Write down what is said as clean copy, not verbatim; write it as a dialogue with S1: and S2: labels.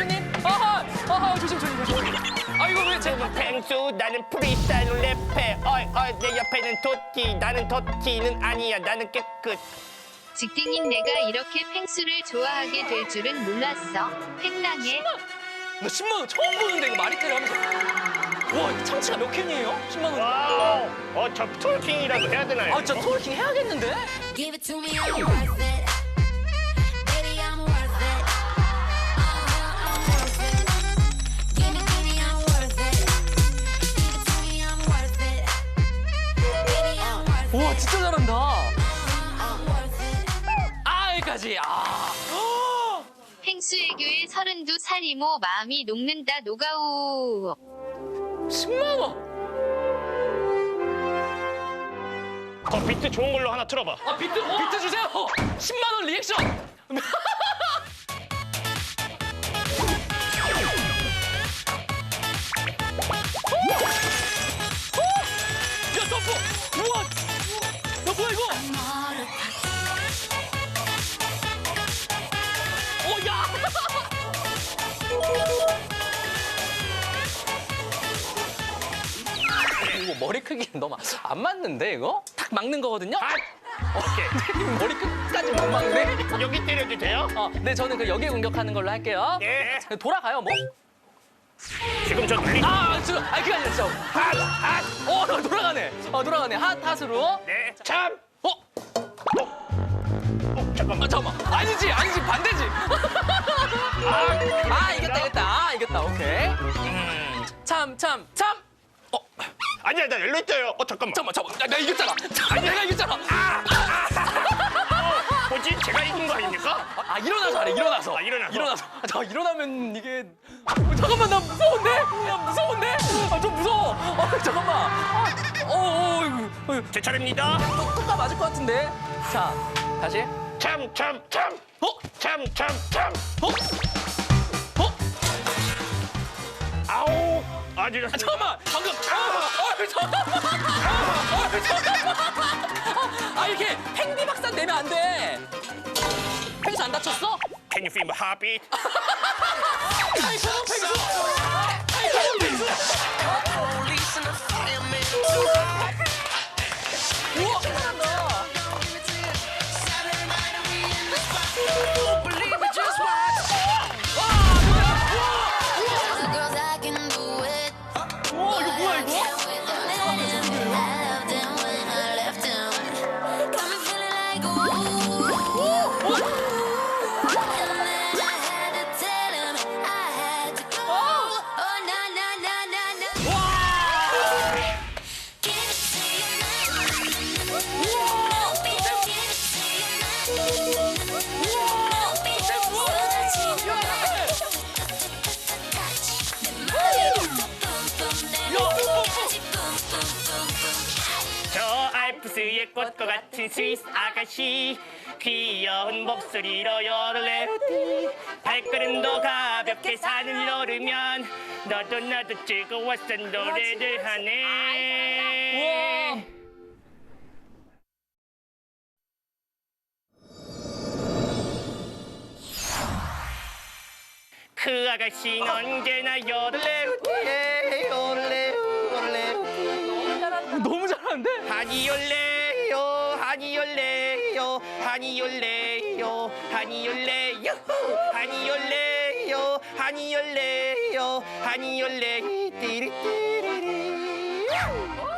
S1: 펭수님. 아하, 조심. 아이고 왜 제?
S2: 펭수 나는 프리스타일로 랩해. 어이 내 옆에는 도티. 나는 도티는 아니야. 나는 깨끗.
S3: 직딩인 내가 이렇게 펭수를 좋아하게 될 줄은 몰랐어. 팽랑해.
S1: 나 10만 원 처음 보는데 이거 마리테를 하면서. 와, 이거 참치가 몇 캔이에요? 10만 원.
S2: 와우. 저 트월킹이라도 해야 되나요?
S1: 아, 진짜 트월킹 해야겠는데?
S4: Give it to me, I'm worth it. Baby, I'm worth it. I'm worth it. Give me, I'm worth it. Give it to me, I'm worth it. Baby, I'm worth it.
S1: 와, 진짜 잘한다.
S4: I'm worth it.
S1: 아, 여기까지.
S3: 펭수 애교에 32살 이모 마음이 녹는다 노가우.
S1: 10만 원.
S2: 비트 좋은 걸로 하나 틀어봐.
S1: 아, 비트 주세요. 10만 원 리액션. 야, 점프. 우와. 야, 뭐야 이거? 오, 야. 이거 머리 크기는 너무 안 맞는데 이거? 딱 막는 거거든요?
S2: 오케이.
S1: 머리 끝까지 못 막네?
S2: 여기 때려도 돼요?
S1: 네, 저는 그 여기에 공격하는 걸로 할게요.
S2: 예.
S1: 돌아가요, 뭐?
S2: 지금 저 눌리.
S1: 그게 아니라 진짜. 돌아가네. 돌아가네. 핫으로.
S2: 네. 참. 잠깐만.
S1: 잠깐만. 아니지, 반대지. 이겼다. 이겼다. 오케이. 참.
S2: 아니야, 나 열려 있어요. 잠깐만.
S1: 잠깐만. 야, 내가 이겼잖아. 내가 이겼잖아.
S2: 뭐지? 제가 이긴 거 아닙니까?
S1: 일어나서 하래, 일어나서.
S2: 일어나서.
S1: 일어나면 이게. 잠깐만, 나 무서운데? 좀 무서워. 잠깐만.
S2: 제 차례입니다.
S1: 뚜까 맞을 것 같은데. 자, 다시.
S2: 참. 참. 아우. 아주
S1: 잠깐만, 방금. 이렇게 팽비 박산 내면 안 돼. 팽수 안 다쳤어?
S2: Can you feel my heartbeat?
S1: 팽수. 우와, 잘한다.
S4: The girls I can do it.
S1: 우와, 이거 뭐야 이거?
S4: I loved them when I left them. Got me feeling like ooh. And then I had to tell him I had to go. Oh na. Give it to you now. Don't be so give it to you now. Don't be so touchy.
S2: 저 알프스의 꽃과 같은 스위스 아가씨 귀여운 목소리로 요르레우디 발걸음도 가볍게 산을 오르면 너도 나도 즐거워서 노래를 하네. 그 아가씨는 언제나 요르레우디
S1: 너무 잘하는데?
S2: 하니올레요 하니올레요 하니올레요 하니올레요 하니올레요 하니올레요 하니올레 띠리띠리리